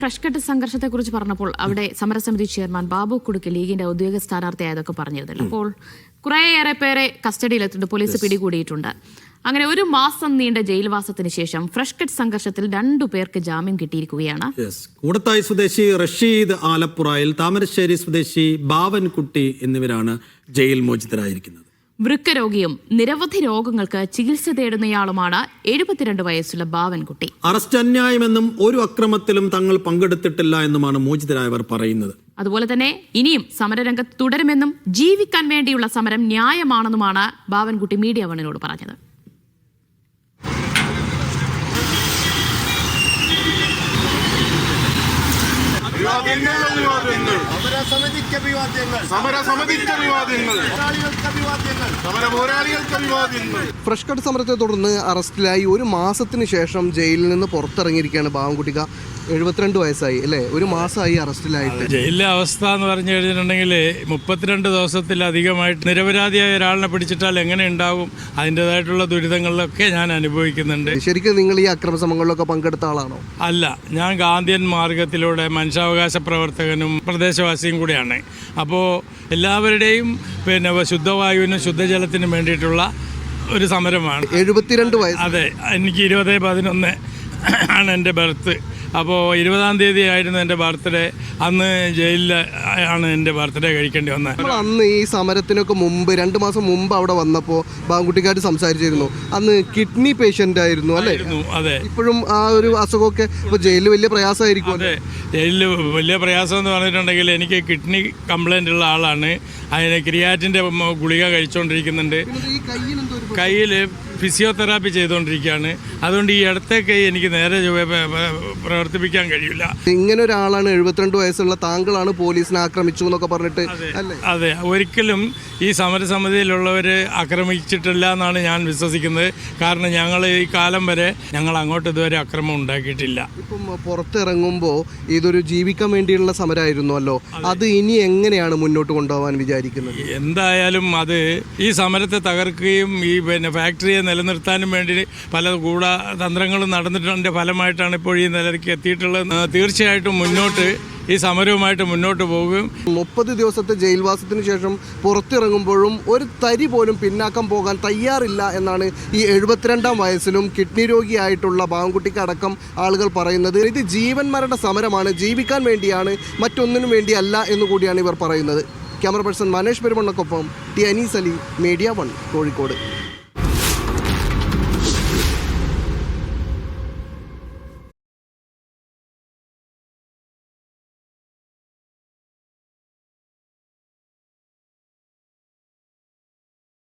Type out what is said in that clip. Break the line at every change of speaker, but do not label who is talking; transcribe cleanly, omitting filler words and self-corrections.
ഫ്രഷ്കട്ട് സംഘർഷത്തെക്കുറിച്ച് പറഞ്ഞപ്പോൾ അവിടെ സമരസമിതി ചെയർമാൻ ബാബു കുടുക്ക് ലീഗിന്റെ ഔദ്യോഗിക സ്ഥാനാർത്ഥിയായതൊക്കെ പറഞ്ഞിരുന്നില്ല. അപ്പോൾ കുറേയേറെ പേരെ കസ്റ്റഡിയിലെത്തിയിട്ട് പോലീസ് പിടികൂടിയിട്ടുണ്ട്. അങ്ങനെ 1 മാസം നീണ്ട ജയിൽവാസത്തിന് ശേഷം ഫ്രഷ്കട്ട് സംഘർഷത്തിൽ 2 പേർക്ക് ജാമ്യം കിട്ടിയിരിക്കുകയാണ്.
കൂടത്തായി സ്വദേശി റഷീദ് ആലപ്പുറയിൽ, താമരശ്ശേരി സ്വദേശി ബാവൻകുട്ടി എന്നിവരാണ് ജയിൽ മോചിതരായിരിക്കുന്നത്.
വൃക്കരോഗിയും നിരവധി രോഗങ്ങൾക്ക് ചികിത്സ തേടുന്നയാളുമാണ് 72 വയസ്സുള്ള ബാവൻകുട്ടി.
അറസ്റ്റ് അന്യായമെന്നും ഒരു അക്രമത്തിലും തങ്ങൾ പങ്കെടുത്തിട്ടില്ല എന്നുമാണ് മോചിതരായവർ പറയുന്നത്.
അതുപോലെ തന്നെ ഇനിയും സമരരംഗത്ത് തുടരുമെന്നും ജീവിക്കാൻ വേണ്ടിയുള്ള സമരം ന്യായമാണെന്നുമാണ് ബാവൻകുട്ടി മീഡിയ വണ്ണിനോട് പറഞ്ഞത്.
ഫ്രഷ്കട്ട് സമരത്തെ തുടർന്ന് അറസ്റ്റിലായി 1 മാസത്തിന് ശേഷം ജയിലിൽ നിന്ന് പുറത്തിറങ്ങിയിരിക്കുകയാണ് ബാവൻകുട്ടിക്ക. 72 വയസ്സായി അല്ലേ? 1 മാസമായി അറസ്റ്റിലായിട്ട്.
ജയിലിലെ അവസ്ഥ എന്ന് പറഞ്ഞു കഴിഞ്ഞിട്ടുണ്ടെങ്കിൽ 32 ദിവസത്തിലധികമായിട്ട് നിരപരാധിയായ ഒരാളിനെ പിടിച്ചിട്ടാൽ എങ്ങനെ ഉണ്ടാകും, അതിൻ്റെതായിട്ടുള്ള ദുരിതങ്ങളിലൊക്കെ ഞാൻ അനുഭവിക്കുന്നുണ്ട്.
ശരിക്കും നിങ്ങൾ ഈ അക്രമസമരങ്ങളിലൊക്കെ പങ്കെടുത്ത ആളാണോ?
അല്ല, ഞാൻ ഗാന്ധിയൻ മാർഗത്തിലൂടെ മനുഷ്യാവകാശ പ്രവർത്തകനും പ്രദേശവാസിയും കൂടിയാണ്. അപ്പോൾ എല്ലാവരുടെയും ശുദ്ധവായുവിനും ശുദ്ധജലത്തിനും വേണ്ടിയിട്ടുള്ള ഒരു സമരമാണ്.
72 വയസ്സ്.
അതെ, എനിക്ക് 20/11 ആണ് എൻ്റെ ബർത്ത്. അപ്പോൾ 20-ാം തീയതി ആയിരുന്നു എൻ്റെ ബർത്ത്ഡേ. അന്ന് ജയിലിൽ ആണ് എൻ്റെ ബർത്ത്ഡേ കഴിക്കേണ്ടി വന്നത്.
അന്ന് ഈ സമരത്തിനൊക്കെ മുമ്പ് 2 മാസം മുമ്പ് അവിടെ വന്നപ്പോൾ ബാവൻകുട്ടിക്കാർ സംസാരിച്ചിരുന്നു. അന്ന് കിഡ്നി പേഷ്യൻ്റ് ആയിരുന്നു അല്ലേ?
അതെ.
ഇപ്പോഴും ആ ഒരു അസുഖമൊക്കെ ഇപ്പോൾ ജയിലിൽ വലിയ പ്രയാസമായിരിക്കും.
അതെ, ജയിലിൽ വലിയ പ്രയാസം എന്ന് പറഞ്ഞിട്ടുണ്ടെങ്കിൽ എനിക്ക് കിഡ്നി കംപ്ലൈൻ്റ് ഉള്ള ആളാണ്. അതിന് ക്രിയാറ്റിൻ്റെ ഗുളിക കഴിച്ചുകൊണ്ടിരിക്കുന്നുണ്ട്. കയ്യിൽ ഫിസിയോതെറാപ്പി ചെയ്തുകൊണ്ടിരിക്കുകയാണ്. അതുകൊണ്ട് ഈ ഇടത്തെ കൈ എനിക്ക് നേരെ പ്രവർത്തിപ്പിക്കാൻ കഴിയില്ല.
ഇങ്ങനെ ഒരാളാണ് 72 വയസ്സുള്ള താങ്കളാണ് പോലീസിനെ ആക്രമിച്ചു എന്നൊക്കെ പറഞ്ഞിട്ട്.
അതെ, ഒരിക്കലും ഈ സമരസമിതിയിലുള്ളവർ ആക്രമിച്ചിട്ടില്ല എന്നാണ് ഞാൻ വിശ്വസിക്കുന്നത്. കാരണം ഞങ്ങൾ ഈ കാലം വരെ ഞങ്ങൾ അങ്ങോട്ട് ഇതുവരെ അക്രമം ഉണ്ടാക്കിയിട്ടില്ല.
ഇപ്പം പുറത്തിറങ്ങുമ്പോൾ ഇതൊരു ജീവിക്കാൻ വേണ്ടിയുള്ള സമരമായിരുന്നല്ലോ, അത് ഇനി എങ്ങനെയാണ് മുന്നോട്ട് കൊണ്ടുപോകാൻ വിചാരിക്കുന്നത്?
എന്തായാലും അത് ഈ സമരത്തെ തകർക്കുകയും ഈ ഫാക്ടറിയെ നിലനിർത്താനും വേണ്ടി പല ഗൂഢതന്ത്രങ്ങളും നടന്നിട്ടതിൻ്റെ ഫലമായിട്ടാണ് ഇപ്പോൾ ഈ നിലയ്ക്ക് എത്തിയിട്ടുള്ളത്. തീർച്ചയായിട്ടും ഈ സമരവുമായിട്ട് മുന്നോട്ട് പോകും.
30 ദിവസത്തെ ജയിൽവാസത്തിന് ശേഷം പുറത്തിറങ്ങുമ്പോഴും ഒരു തരി പോലും പിന്നാക്കം പോകാൻ തയ്യാറില്ല എന്നാണ് ഈ 72-ാം വയസ്സിലും കിഡ്നി രോഗിയായിട്ടുള്ള ബാവൻകുട്ടിക്ക് അടക്കം ആളുകൾ പറയുന്നത്. ഇത് ജീവൻ മരണ സമരമാണ്, ജീവിക്കാൻ വേണ്ടിയാണ്, മറ്റൊന്നിനും വേണ്ടിയല്ല എന്നുകൂടിയാണ് ഇവർ പറയുന്നത്. ക്യാമറ പേഴ്സൺ മനേഷ് പെരുമണ്ണക്കൊപ്പം ടി അനീസ് അലി, മീഡിയ 1, കോഴിക്കോട്.